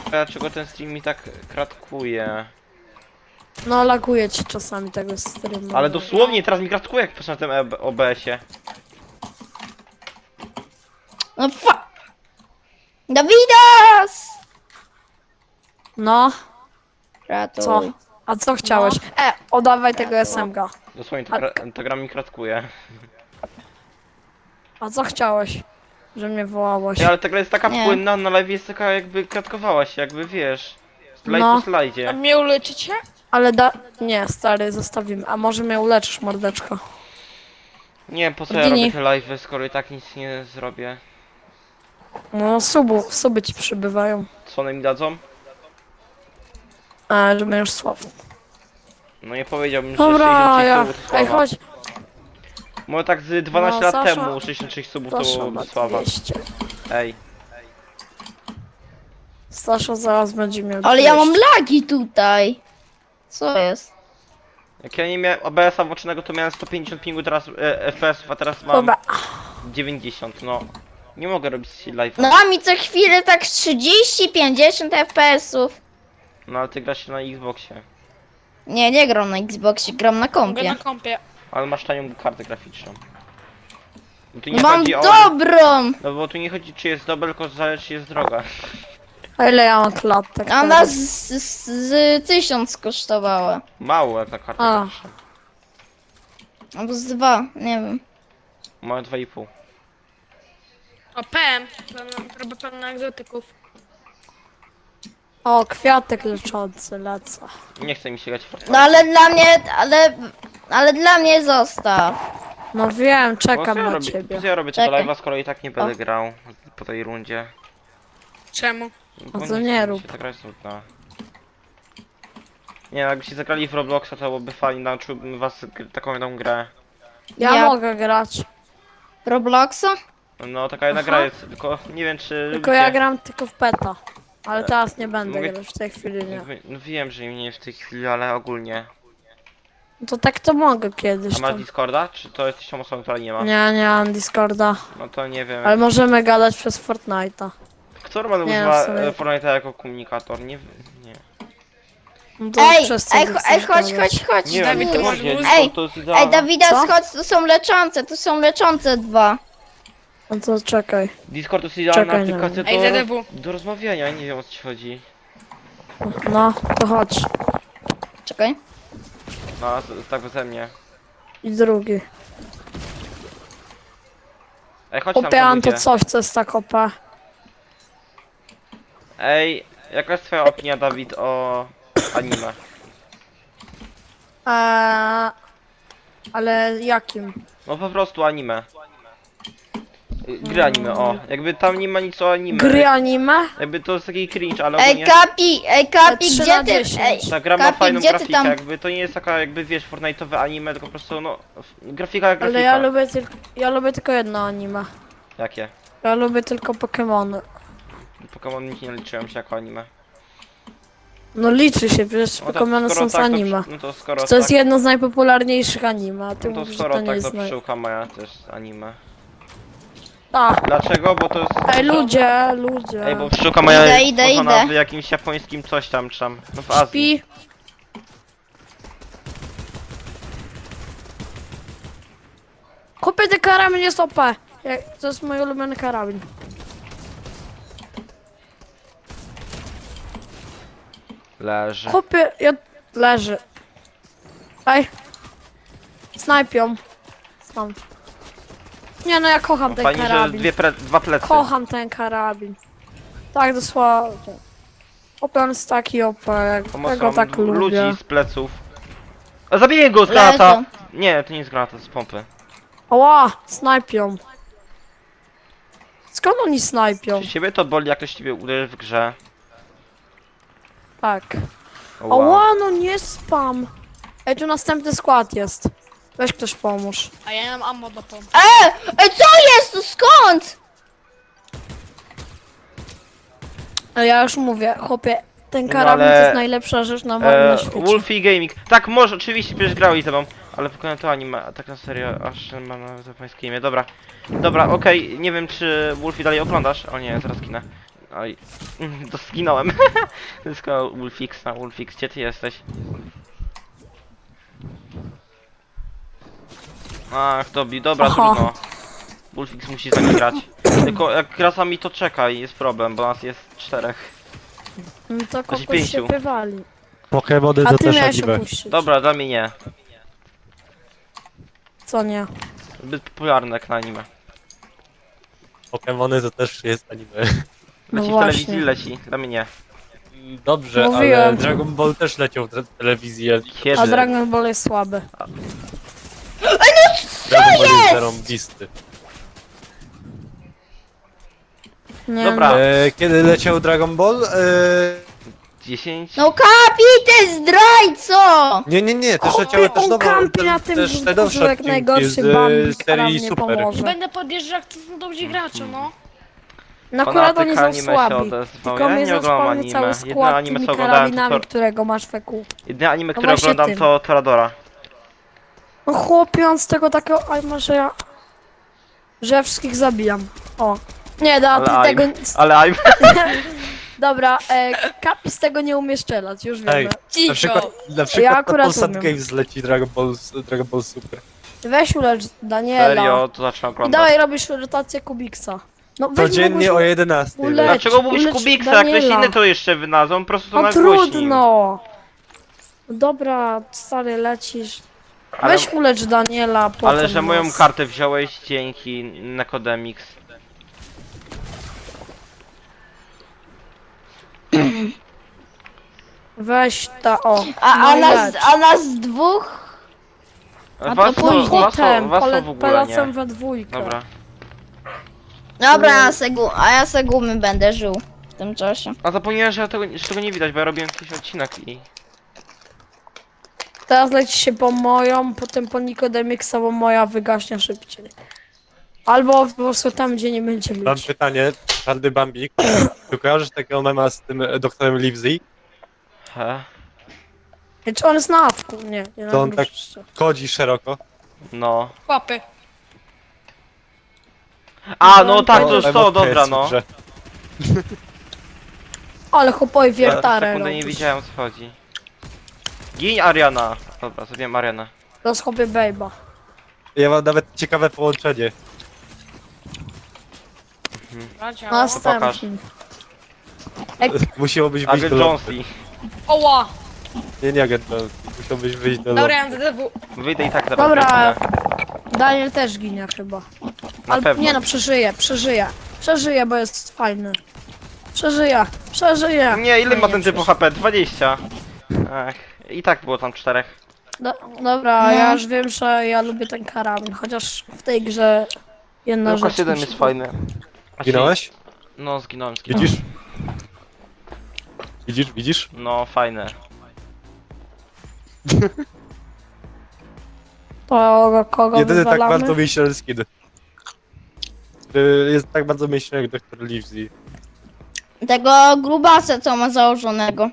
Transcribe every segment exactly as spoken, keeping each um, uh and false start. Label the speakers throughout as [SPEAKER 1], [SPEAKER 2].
[SPEAKER 1] dlaczego ten stream mi tak kratkuje.
[SPEAKER 2] No laguje ci czasami tego streamu.
[SPEAKER 1] Ale dosłownie teraz mi kratkuje, jak patrzę na tym O B S-ie.
[SPEAKER 3] No fa... Dawidas!
[SPEAKER 2] No,
[SPEAKER 3] Ratuj.
[SPEAKER 2] co? A co chciałeś? E, oddawaj tego S M G.
[SPEAKER 1] Dosłownie to,
[SPEAKER 2] A-
[SPEAKER 1] gra, to gra mi kratkuje.
[SPEAKER 2] A co chciałeś? Że mnie wołałeś?
[SPEAKER 1] Ej, ale ta gra jest taka
[SPEAKER 3] Nie.
[SPEAKER 1] płynna, na live jest taka jakby kratkowała się, jakby wiesz. Slajd
[SPEAKER 2] No.
[SPEAKER 1] po slajdzie.
[SPEAKER 4] mnie uleczycie?
[SPEAKER 2] Ale da... Nie, stary, zostawimy. A może mnie uleczysz, mordeczko?
[SPEAKER 1] Nie, po co ja
[SPEAKER 2] Gini.
[SPEAKER 1] robię te live'y, skoro i tak nic nie zrobię.
[SPEAKER 2] No, subu, suby ci przybywają.
[SPEAKER 1] Co one mi dadzą?
[SPEAKER 2] A, że będziesz sławny.
[SPEAKER 1] No nie powiedziałbym, że
[SPEAKER 2] Dobra,
[SPEAKER 1] sześćdziesiąt sześć
[SPEAKER 2] ja...
[SPEAKER 1] subów to
[SPEAKER 2] Ej,
[SPEAKER 1] sława.
[SPEAKER 2] chodź.
[SPEAKER 1] Może tak z dwanaście
[SPEAKER 2] No,
[SPEAKER 1] lat
[SPEAKER 2] Sasza-
[SPEAKER 1] temu sześćdziesiąt sześć subów
[SPEAKER 2] Stasza
[SPEAKER 1] to
[SPEAKER 2] ma
[SPEAKER 1] sława.
[SPEAKER 2] dwieście.
[SPEAKER 1] Ej.
[SPEAKER 2] Stasza zaraz będzie miał
[SPEAKER 3] Ale ja mam
[SPEAKER 2] dwieście.
[SPEAKER 3] lagi tutaj. Co jest?
[SPEAKER 1] Jak ja nie miałem O B S-a włączonego, to miałem sto pięćdziesiąt pingu teraz e, F P S-ów, a teraz mam
[SPEAKER 2] Dobra.
[SPEAKER 1] dziewięćdziesiąt, no. Nie mogę robić live'a.
[SPEAKER 3] No a mi co chwilę tak trzydzieści pięćdziesiąt F P S-ów.
[SPEAKER 1] No ale ty grasz na Xboxie.
[SPEAKER 3] Nie, nie gram na Xboxie, gram na
[SPEAKER 4] Mogę
[SPEAKER 3] kompie.
[SPEAKER 4] na kompie.
[SPEAKER 1] Ale masz tanią kartę graficzną. No tu
[SPEAKER 3] No
[SPEAKER 1] nie
[SPEAKER 3] mam
[SPEAKER 1] chodzi o...
[SPEAKER 3] dobrą!
[SPEAKER 1] No bo tu nie chodzi czy jest dobra, tylko zależy czy jest droga.
[SPEAKER 2] A ile ja mam klatek?
[SPEAKER 3] A
[SPEAKER 2] teraz?
[SPEAKER 3] nas z, z, z tysiąc kosztowała.
[SPEAKER 1] Mało jak ta karta
[SPEAKER 2] A.
[SPEAKER 1] graficzna.
[SPEAKER 3] Albo z dwa, nie wiem.
[SPEAKER 1] Moje dwa i pół.
[SPEAKER 4] O, P M. Robię pełno egzotyków.
[SPEAKER 2] O, kwiatek leczący lecę.
[SPEAKER 1] Nie chce mi się grać w Fortnite.
[SPEAKER 3] No ale dla mnie, ale, ale dla mnie zostaw.
[SPEAKER 2] No wiem,
[SPEAKER 1] Bo
[SPEAKER 2] czekam
[SPEAKER 1] co ja
[SPEAKER 2] na
[SPEAKER 1] robię,
[SPEAKER 2] ciebie.
[SPEAKER 1] co ja robię tego
[SPEAKER 3] Czekaj.
[SPEAKER 1] live'a, skoro i tak nie będę grał po tej rundzie.
[SPEAKER 4] Czemu?
[SPEAKER 1] Bo
[SPEAKER 2] A co
[SPEAKER 1] chce
[SPEAKER 2] nie
[SPEAKER 1] mi
[SPEAKER 2] rób.
[SPEAKER 1] się, ta gra jest nudna. Nie, jakbyście zagrali w Robloxa, to byłoby fajnie, nauczyłbym was gr- taką jedną grę.
[SPEAKER 2] Ja,
[SPEAKER 3] Ja-
[SPEAKER 2] mogę grać.
[SPEAKER 3] Robloxa?
[SPEAKER 1] No taka jedna
[SPEAKER 2] Aha.
[SPEAKER 1] gra jest, tylko nie wiem czy
[SPEAKER 2] Tylko
[SPEAKER 1] lubicie.
[SPEAKER 2] ja gram tylko w peta. Ale teraz nie będę
[SPEAKER 1] Mogę-
[SPEAKER 2] grać w tej chwili, nie.
[SPEAKER 1] No wiem, że nie w tej chwili, ale ogólnie.
[SPEAKER 2] No to tak to mogę kiedyś
[SPEAKER 1] A masz
[SPEAKER 2] tam.
[SPEAKER 1] Discorda? Czy to jesteś tą osobą, która nie ma?
[SPEAKER 2] Nie, nie mam Discorda.
[SPEAKER 1] No to nie wiem.
[SPEAKER 2] Ale możemy gadać przez Fortnite'a.
[SPEAKER 1] Kto normalnie
[SPEAKER 2] Nie,
[SPEAKER 1] używa
[SPEAKER 2] w sumie-
[SPEAKER 1] e, Fortnite'a jako komunikator? Nie wiem. Nie.
[SPEAKER 2] No to
[SPEAKER 3] Ej,
[SPEAKER 2] przez co
[SPEAKER 3] ej,
[SPEAKER 2] ty
[SPEAKER 3] cho-
[SPEAKER 2] chcesz
[SPEAKER 3] ej, chodź,
[SPEAKER 2] gadać?
[SPEAKER 3] chodź, chodź.
[SPEAKER 1] Nie
[SPEAKER 4] Dawid,
[SPEAKER 1] wiem,
[SPEAKER 4] to
[SPEAKER 1] to
[SPEAKER 4] masz
[SPEAKER 1] będzie,
[SPEAKER 4] mózg?
[SPEAKER 1] Discord
[SPEAKER 3] Ej,
[SPEAKER 1] to jest
[SPEAKER 3] Ej,
[SPEAKER 1] idealne.
[SPEAKER 3] Dawidas,
[SPEAKER 2] Co?
[SPEAKER 3] chodź, to są leczące, to są leczące dwa.
[SPEAKER 2] No to czekaj.
[SPEAKER 1] Discord to jest idealna
[SPEAKER 2] Czekaj, nie
[SPEAKER 1] aplikacja
[SPEAKER 4] Ej,
[SPEAKER 1] do,
[SPEAKER 4] Z D W.
[SPEAKER 1] do rozmawiania, nie wiem o co ci chodzi.
[SPEAKER 2] No, to chodź.
[SPEAKER 3] Czekaj.
[SPEAKER 1] No, a z- tak beze mnie.
[SPEAKER 2] I drugi.
[SPEAKER 1] Ej, chodź tam
[SPEAKER 2] Opiałam to
[SPEAKER 1] ludzie.
[SPEAKER 2] coś, co jest tak O P.
[SPEAKER 1] Ej, jaka jest twoja opinia, Dawid, o anime?
[SPEAKER 2] Eee, ale jakim?
[SPEAKER 1] No po prostu anime. Y, Gry anime, o. Jakby tam nie ma nic o anime.
[SPEAKER 2] Gry anime?
[SPEAKER 1] Jakby to jest taki cringe, ale
[SPEAKER 3] Ej,
[SPEAKER 1] ogólnie...
[SPEAKER 3] Kapi, ej, Kapi,
[SPEAKER 2] trzy
[SPEAKER 3] gdzie
[SPEAKER 2] na
[SPEAKER 3] ty,
[SPEAKER 2] dziesięć.
[SPEAKER 3] ej,
[SPEAKER 1] Ta gra ma
[SPEAKER 3] Kapi,
[SPEAKER 1] fajną
[SPEAKER 3] gdzie ty
[SPEAKER 1] grafikę,
[SPEAKER 3] tam,
[SPEAKER 1] jakby to nie jest taka jakby wiesz Fortnite'owe anime, tylko po prostu no f- grafika jak grafika.
[SPEAKER 2] Ale ja lubię tylko, ja lubię tylko jedno anime.
[SPEAKER 1] Jakie?
[SPEAKER 2] Ja lubię tylko Pokémony.
[SPEAKER 1] Pokémon nic nie liczyłem się jako anime.
[SPEAKER 2] No liczy się, przecież
[SPEAKER 1] No to
[SPEAKER 2] Pokémony
[SPEAKER 1] skoro
[SPEAKER 2] są z
[SPEAKER 1] tak, to
[SPEAKER 2] anime.
[SPEAKER 1] przy- No to skoro
[SPEAKER 2] To jest
[SPEAKER 1] tak,
[SPEAKER 2] jedno z najpopularniejszych anime, a ty
[SPEAKER 1] no to
[SPEAKER 2] mówisz, że
[SPEAKER 1] skoro
[SPEAKER 2] to nie
[SPEAKER 1] tak,
[SPEAKER 2] jest
[SPEAKER 1] to
[SPEAKER 2] naj...
[SPEAKER 1] pszczółka moja też anime.
[SPEAKER 2] Tak.
[SPEAKER 1] Dlaczego? Bo to jest...
[SPEAKER 2] Ej, ludzie, ludzie.
[SPEAKER 1] Ej, bo pszczółka moja
[SPEAKER 3] Idę,
[SPEAKER 1] jest
[SPEAKER 3] idę,
[SPEAKER 1] stworzona
[SPEAKER 3] idę.
[SPEAKER 1] w jakimś japońskim coś tam, czy tam, no w Azji.
[SPEAKER 2] Śpi. Kupię ten karabin, jest O P. Jak- To jest mój ulubiony karabin.
[SPEAKER 1] Leży.
[SPEAKER 2] Kupię, ja... leży. Ej. Snajpią. Stąd. Nie no, ja kocham
[SPEAKER 1] No
[SPEAKER 2] ten
[SPEAKER 1] fajnie, że
[SPEAKER 2] karabin.
[SPEAKER 1] dwie pre... dwa plecy.
[SPEAKER 2] Kocham ten karabin. Tak dosłownie. O P on jest taki O P, jak
[SPEAKER 1] Pomocą
[SPEAKER 2] tego tak
[SPEAKER 1] ludzi
[SPEAKER 2] lubię.
[SPEAKER 1] z pleców. A zabiję go z granata!
[SPEAKER 3] Leżą.
[SPEAKER 1] Nie, to nie jest granata, to jest pompy.
[SPEAKER 2] Oła, snajpią. Skąd oni snajpią?
[SPEAKER 1] Czy ciebie to boli, jak ktoś ciebie uderzy w grze?
[SPEAKER 2] Tak.
[SPEAKER 1] Oła.
[SPEAKER 2] Oła, no nie spam. Ej, tu następny skład jest. Weź ktoś pomóż.
[SPEAKER 4] A ja nie mam ammo do pompy.
[SPEAKER 3] Ej, ej, co jest, to skąd?
[SPEAKER 2] Ale ja już mówię, chłopie, ten
[SPEAKER 1] No
[SPEAKER 2] karabin
[SPEAKER 1] ale-
[SPEAKER 2] to jest najlepsza rzecz na wolnym
[SPEAKER 1] E,
[SPEAKER 2] świecie.
[SPEAKER 1] Wolfie Gaming. Tak, może, oczywiście, przecież grałeś ze mną. Ale pokonałem to anime, a tak na serio, aż mam na japońskie imię. Dobra, dobra, okej, nie wiem czy Wolfie dalej oglądasz. O nie, zaraz ginę. Oj, to zginąłem. Zyskał Wolfixa, Wolfix, gdzie ty jesteś? Ach, dobi, dobra,
[SPEAKER 2] Aha.
[SPEAKER 1] trudno. Wolfix musi z nami grać. Tylko jak gra sami to czekaj, jest problem, bo nas jest czterech.
[SPEAKER 2] No to
[SPEAKER 1] Znaczy
[SPEAKER 2] kogoś się
[SPEAKER 1] pięciu.
[SPEAKER 2] wywali.
[SPEAKER 5] Pokemony
[SPEAKER 2] A
[SPEAKER 5] to
[SPEAKER 2] ty
[SPEAKER 5] też
[SPEAKER 2] miałeś
[SPEAKER 5] anime.
[SPEAKER 2] opuścić.
[SPEAKER 1] Dobra, dla mnie nie.
[SPEAKER 2] Co nie?
[SPEAKER 1] Zbyt popularne jak na anime.
[SPEAKER 5] Pokemony to też jest anime.
[SPEAKER 2] No
[SPEAKER 1] Leci w
[SPEAKER 2] właśnie.
[SPEAKER 1] telewizji, leci, dla mnie nie.
[SPEAKER 5] Dobrze, ale
[SPEAKER 2] Mówiłem.
[SPEAKER 5] Dragon Ball też leciał w te- telewizję.
[SPEAKER 1] Kiedy?
[SPEAKER 2] A Dragon Ball jest słaby.
[SPEAKER 5] Dragon Ball jest zarąbisty.
[SPEAKER 2] Nie,
[SPEAKER 1] Dobra.
[SPEAKER 2] no.
[SPEAKER 5] E, kiedy leciał Dragon Ball? E,
[SPEAKER 1] dziesięć?
[SPEAKER 3] No Kapi, ty zdrajco!
[SPEAKER 5] nie, nie, nie, też
[SPEAKER 2] Chłopie,
[SPEAKER 5] leciały też
[SPEAKER 2] on
[SPEAKER 5] nowe,
[SPEAKER 2] kampi na
[SPEAKER 5] te-
[SPEAKER 2] tym
[SPEAKER 5] też te
[SPEAKER 2] brzuchu
[SPEAKER 5] nowsze
[SPEAKER 2] jak
[SPEAKER 5] odcinki
[SPEAKER 2] najgorszy
[SPEAKER 5] z e,
[SPEAKER 2] bambik, a nam
[SPEAKER 5] serii
[SPEAKER 2] nie
[SPEAKER 5] Super.
[SPEAKER 2] pomoże.
[SPEAKER 4] Będę podjeżdżał, jak to są dobrzy gracze, no.
[SPEAKER 2] No akurat oni
[SPEAKER 1] Fanatyk
[SPEAKER 2] są
[SPEAKER 1] anime się
[SPEAKER 2] słabi.
[SPEAKER 1] odezwał.
[SPEAKER 2] Tylko
[SPEAKER 1] Ja
[SPEAKER 2] mnie
[SPEAKER 1] nie oglądam
[SPEAKER 2] zaspawny
[SPEAKER 1] anime.
[SPEAKER 2] cały
[SPEAKER 1] Jedyne
[SPEAKER 2] skład
[SPEAKER 1] anime
[SPEAKER 2] tymi
[SPEAKER 1] co oglądałem to
[SPEAKER 2] karabinami,
[SPEAKER 1] Tor...
[SPEAKER 2] którego masz w E Q.
[SPEAKER 1] Jedyne anime,
[SPEAKER 2] No
[SPEAKER 1] które
[SPEAKER 2] właśnie
[SPEAKER 1] oglądam
[SPEAKER 2] tym.
[SPEAKER 1] to Toradora.
[SPEAKER 2] No chłopie, on z tego takiego... Aj, może ja... Że ja wszystkich zabijam. O. Nie, da, ty
[SPEAKER 1] Ale
[SPEAKER 2] tego...
[SPEAKER 1] I'm- Ale I'm...
[SPEAKER 2] Dobra, e, Kapi z tego nie umie strzelać, już
[SPEAKER 5] Ej,
[SPEAKER 2] wiemy.
[SPEAKER 4] Cicho.
[SPEAKER 5] Na przykład, na przykład
[SPEAKER 2] Ja
[SPEAKER 5] na
[SPEAKER 2] akurat
[SPEAKER 5] Polsat
[SPEAKER 2] umiem.
[SPEAKER 5] Games leci Dragon Ball, Dragon Ball Super.
[SPEAKER 2] Weź ulecz Daniela.
[SPEAKER 1] Serio, to zacznę
[SPEAKER 2] I
[SPEAKER 1] oglądać.
[SPEAKER 2] dawaj robisz rotację Kubiksa. No weź
[SPEAKER 5] Codziennie
[SPEAKER 2] mogłeś-
[SPEAKER 5] o jedenastej.
[SPEAKER 2] Ulecz-
[SPEAKER 5] leci.
[SPEAKER 1] Dlaczego mówisz
[SPEAKER 2] ulecz
[SPEAKER 1] Kubiksa, jak ktoś
[SPEAKER 2] Daniela.
[SPEAKER 1] inny to jeszcze wynadzą, po prostu to
[SPEAKER 2] No
[SPEAKER 1] nagłośnił.
[SPEAKER 2] trudno. Dobra, stary, lecisz.
[SPEAKER 1] Ale,
[SPEAKER 2] Weź ulecz Daniela, potem
[SPEAKER 1] ale że moją
[SPEAKER 2] nas.
[SPEAKER 1] kartę wziąłeś dzięki Nekodemix.
[SPEAKER 2] Weź ta, o.
[SPEAKER 3] A,
[SPEAKER 2] no
[SPEAKER 3] a,
[SPEAKER 2] i
[SPEAKER 3] nas,
[SPEAKER 2] leć.
[SPEAKER 3] a nas dwóch? A
[SPEAKER 1] Was
[SPEAKER 3] to
[SPEAKER 1] to,
[SPEAKER 3] później.
[SPEAKER 1] was to,
[SPEAKER 2] Potem,
[SPEAKER 1] was to
[SPEAKER 2] pole,
[SPEAKER 1] w ogóle
[SPEAKER 2] polecam
[SPEAKER 1] nie.
[SPEAKER 2] we dwójkę.
[SPEAKER 1] Dobra.
[SPEAKER 3] Dobra, ja se gu, a ja se gumy będę żył w tym czasie.
[SPEAKER 1] A zapomniałem, że, tego, że tego nie widać, bo ja robiłem jakiś odcinek i...
[SPEAKER 2] Teraz leci się po moją, potem po Nikodemixa, bo moja wygaśnie szybciej. Albo po prostu tam, gdzie nie będzie
[SPEAKER 5] Mam
[SPEAKER 2] ludzi.
[SPEAKER 5] pytanie, Czarny Bambik. Czy kojarzysz takiego mema z tym e, doktorem Livesey?
[SPEAKER 1] He?
[SPEAKER 2] Czy on jest na awku? Nie, nie na
[SPEAKER 5] To on
[SPEAKER 2] awku
[SPEAKER 5] tak
[SPEAKER 2] jeszcze.
[SPEAKER 5] kodzi szeroko.
[SPEAKER 1] No.
[SPEAKER 4] Chłopy.
[SPEAKER 1] A, no tak, to
[SPEAKER 5] To
[SPEAKER 1] już to,
[SPEAKER 5] emotka
[SPEAKER 1] dobra,
[SPEAKER 5] jest w
[SPEAKER 1] no.
[SPEAKER 5] grze.
[SPEAKER 2] Ale chłopowi
[SPEAKER 1] Ja
[SPEAKER 2] wiertarę
[SPEAKER 1] sekundę nie
[SPEAKER 2] robisz.
[SPEAKER 1] wiedziałem o co chodzi. Gin Ariana. Dobra, zrobiłem Arianę.
[SPEAKER 2] To jest chłopie bejba.
[SPEAKER 5] Ja mam nawet ciekawe połączenie.
[SPEAKER 4] Bracia.
[SPEAKER 2] Następny.
[SPEAKER 5] Musiałobyś wyjść
[SPEAKER 1] Agent
[SPEAKER 5] do
[SPEAKER 1] Jonesy.
[SPEAKER 5] lobby.
[SPEAKER 4] Oła.
[SPEAKER 5] Nie, nie agent Jones. Musiałbyś wyjść do
[SPEAKER 4] Dobra,
[SPEAKER 5] lobby.
[SPEAKER 4] ja mam D D W.
[SPEAKER 1] Wyjdę i tak zaraz.
[SPEAKER 2] Dobra.
[SPEAKER 1] biegnę.
[SPEAKER 2] Daniel też ginie chyba.
[SPEAKER 1] Na
[SPEAKER 2] Ale
[SPEAKER 1] pewno.
[SPEAKER 2] nie no, przeżyje, przeżyje. Przeżyje, bo jest fajny. Przeżyje, przeżyje.
[SPEAKER 1] Nie, ile
[SPEAKER 2] No
[SPEAKER 1] ma ten typu
[SPEAKER 2] przeżyje.
[SPEAKER 1] H P? dwadzieścia. Ach, i tak było tam czterech.
[SPEAKER 2] Do, dobra,
[SPEAKER 3] No.
[SPEAKER 2] ja już wiem, że ja lubię ten karabin, chociaż w tej grze jedna
[SPEAKER 1] Tylko
[SPEAKER 2] rzecz
[SPEAKER 1] siedem
[SPEAKER 2] mi
[SPEAKER 1] jest
[SPEAKER 2] się-
[SPEAKER 1] fajny. Znaczy,
[SPEAKER 5] Zginąłeś?
[SPEAKER 1] No, zginąłem, zginąłem.
[SPEAKER 5] Widzisz? Widzisz, widzisz?
[SPEAKER 1] No, fajne.
[SPEAKER 2] To kogo
[SPEAKER 5] Jedyny tak
[SPEAKER 2] wywalamy?
[SPEAKER 5] bardzo myślny skin. Który jest tak bardzo myślny jak doktor Livesey.
[SPEAKER 3] Tego grubasa, co ma założonego.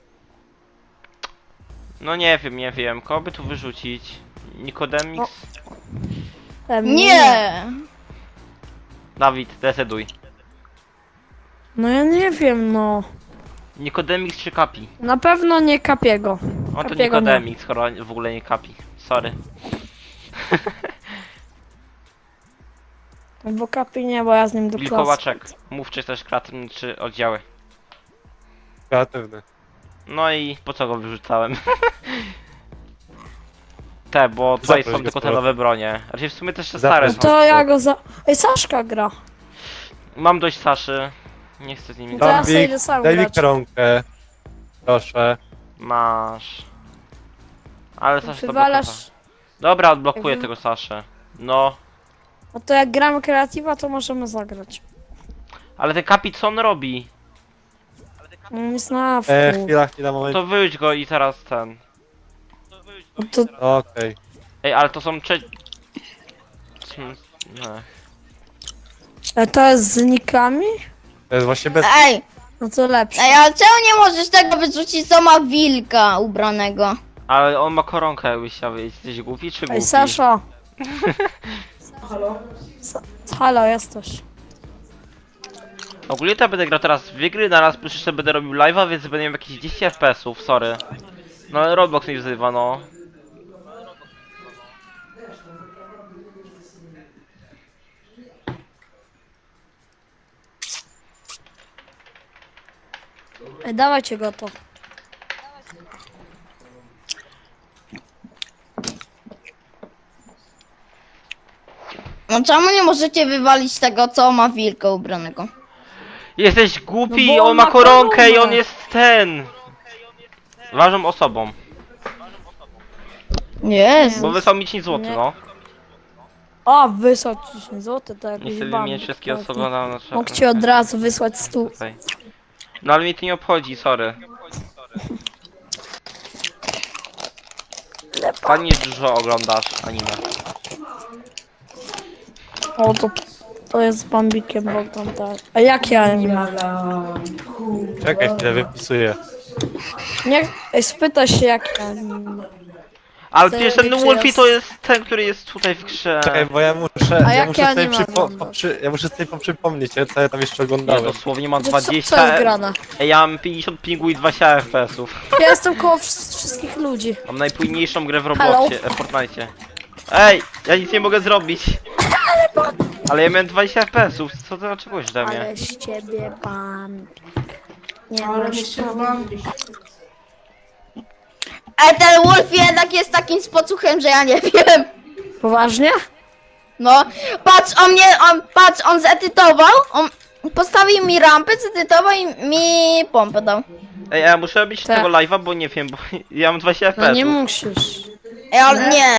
[SPEAKER 1] No nie wiem, nie wiem. Kogo by tu wyrzucić? Nikodemix?
[SPEAKER 2] No. Em,
[SPEAKER 3] Nie!
[SPEAKER 1] Dawid, decyduj.
[SPEAKER 2] No ja nie wiem, no.
[SPEAKER 1] Nikodemix czy Kapi?
[SPEAKER 2] Na pewno nie Kapiego.
[SPEAKER 1] O to
[SPEAKER 2] Kapiego nie.
[SPEAKER 1] Nikodemix, skoro w ogóle nie Kapi. Sorry.
[SPEAKER 2] Bo Kapi nie, bo ja z nim do klasy.
[SPEAKER 1] Wilkołaczek. Mów czy też kreatywny, czy oddziały.
[SPEAKER 5] Kreatywny.
[SPEAKER 1] No i po co go wyrzucałem? Te, bo tutaj
[SPEAKER 5] Zaproś
[SPEAKER 1] są
[SPEAKER 5] go
[SPEAKER 1] tylko
[SPEAKER 5] z
[SPEAKER 1] te
[SPEAKER 5] powrotem.
[SPEAKER 1] nowe bronie. Raczej w sumie też te
[SPEAKER 5] Zaproś
[SPEAKER 1] stare
[SPEAKER 2] No
[SPEAKER 1] są.
[SPEAKER 2] to ja go za... Ej, Saszka gra.
[SPEAKER 1] Mam dość Saszy. Nie chcę z nimi
[SPEAKER 2] No to ja
[SPEAKER 1] grać.
[SPEAKER 2] sobie
[SPEAKER 5] Bambik,
[SPEAKER 2] idę sam
[SPEAKER 5] daj mi
[SPEAKER 2] grać.
[SPEAKER 5] koronkę. Proszę.
[SPEAKER 1] Masz. Ale Sasha to blokowa.
[SPEAKER 2] Wywalasz...
[SPEAKER 1] Dobra, odblokuję
[SPEAKER 2] Jakby-
[SPEAKER 1] tego Saszę. No.
[SPEAKER 2] No to jak gramy kreatywa, to możemy zagrać.
[SPEAKER 1] Ale ten Kapi co on robi?
[SPEAKER 2] On jest na awku.
[SPEAKER 5] E, chwila, chwila, moment.
[SPEAKER 1] To wyjdź go i teraz ten.
[SPEAKER 2] No to
[SPEAKER 5] Okej.
[SPEAKER 1] Ej, ale to są cze... Hmm, nie.
[SPEAKER 2] e, to jest z nikami?
[SPEAKER 5] To jest właśnie bez...
[SPEAKER 3] Ej!
[SPEAKER 2] No to lepsze.
[SPEAKER 3] Ej, ale czemu nie możesz tego wyrzucić, co ma wilka ubranego?
[SPEAKER 1] Ale on ma koronkę, jakbyś chciał wiedzieć. Jesteś głupi czy głupi?
[SPEAKER 2] Ej, Sasza. Halo? Halo, jesteś.
[SPEAKER 1] Ogólnie to ja będę grał teraz w dwie gry, naraz plus jeszcze będę robił live'a, więc będę miał jakieś dziesięć F P S ów, sorry. No ale Roblox mnie wzywa, no.
[SPEAKER 2] Ej, dawajcie go to.
[SPEAKER 3] No czemu nie możecie wywalić tego, co ma wilka ubranego?
[SPEAKER 1] Jesteś głupi,
[SPEAKER 2] No bo
[SPEAKER 1] on
[SPEAKER 2] on
[SPEAKER 1] ma
[SPEAKER 2] ma
[SPEAKER 1] koronkę i
[SPEAKER 2] koronę.
[SPEAKER 1] on jest ten. Ważną osobą,
[SPEAKER 3] Jest.
[SPEAKER 1] bo wysłał mi dziesięć złotych,
[SPEAKER 2] Nie.
[SPEAKER 1] no.
[SPEAKER 2] O, wysłać dziesięć złotych, to jakiś
[SPEAKER 1] Nie chcę
[SPEAKER 2] ban.
[SPEAKER 1] wymieniać wszystkie osoby na... na
[SPEAKER 2] Mógł ci od razu wysłać stu.
[SPEAKER 1] Tutaj. No ale mnie to nie obchodzi, sorry. Fajnie dużo oglądasz anime.
[SPEAKER 2] O, to, to jest z Bambikiem, bo tam tak. A jakie anime?
[SPEAKER 5] Czekaj chwilę, wypisuję.
[SPEAKER 2] Nie, ej, spytaj się jakie anime.
[SPEAKER 1] Ale
[SPEAKER 2] To
[SPEAKER 1] przecież ten
[SPEAKER 2] jakby
[SPEAKER 1] Wolfie
[SPEAKER 2] jest-
[SPEAKER 1] to jest ten, który jest tutaj w grze.
[SPEAKER 5] Czekaj, bo ja muszę,
[SPEAKER 2] A
[SPEAKER 5] ja
[SPEAKER 2] jakie
[SPEAKER 5] muszę sobie
[SPEAKER 2] anime
[SPEAKER 5] przypo,
[SPEAKER 2] oglądasz?
[SPEAKER 5] poprzy, ja muszę sobie poprzypomnieć, co ja tam jeszcze
[SPEAKER 1] Ja
[SPEAKER 5] oglądałem.
[SPEAKER 1] dosłownie mam
[SPEAKER 2] Co, co
[SPEAKER 1] dwadzieścia...
[SPEAKER 2] jest grane?
[SPEAKER 1] Ej, ja mam pięćdziesiąt pingu i dwadzieścia F P S ów.
[SPEAKER 2] Ja jestem koło wsz- wszystkich ludzi.
[SPEAKER 1] Mam najpójniejszą grę w Robloxie, e, Fortnite. Ej, ja nic nie mogę zrobić. Ale ja miałem dwadzieścia F P S ów, co to czegoś ode mnie?
[SPEAKER 2] Ale z ciebie Bambik. Nie
[SPEAKER 6] Ale
[SPEAKER 2] masz
[SPEAKER 6] nie się bambik.
[SPEAKER 3] Ej, ten Wolf jednak jest takim spocuchem, że ja nie wiem.
[SPEAKER 2] Poważnie?
[SPEAKER 3] No, patrz, on mnie, on, patrz, on zedytował, on postawił mi rampę, zedytował i mi pompę dał.
[SPEAKER 1] Ej, a ja muszę robić
[SPEAKER 2] Tak.
[SPEAKER 1] tego live'a, bo nie wiem, bo ja mam dwadzieścia F P S
[SPEAKER 2] No
[SPEAKER 1] ów.
[SPEAKER 2] nie musisz.
[SPEAKER 3] Ej, ale nie,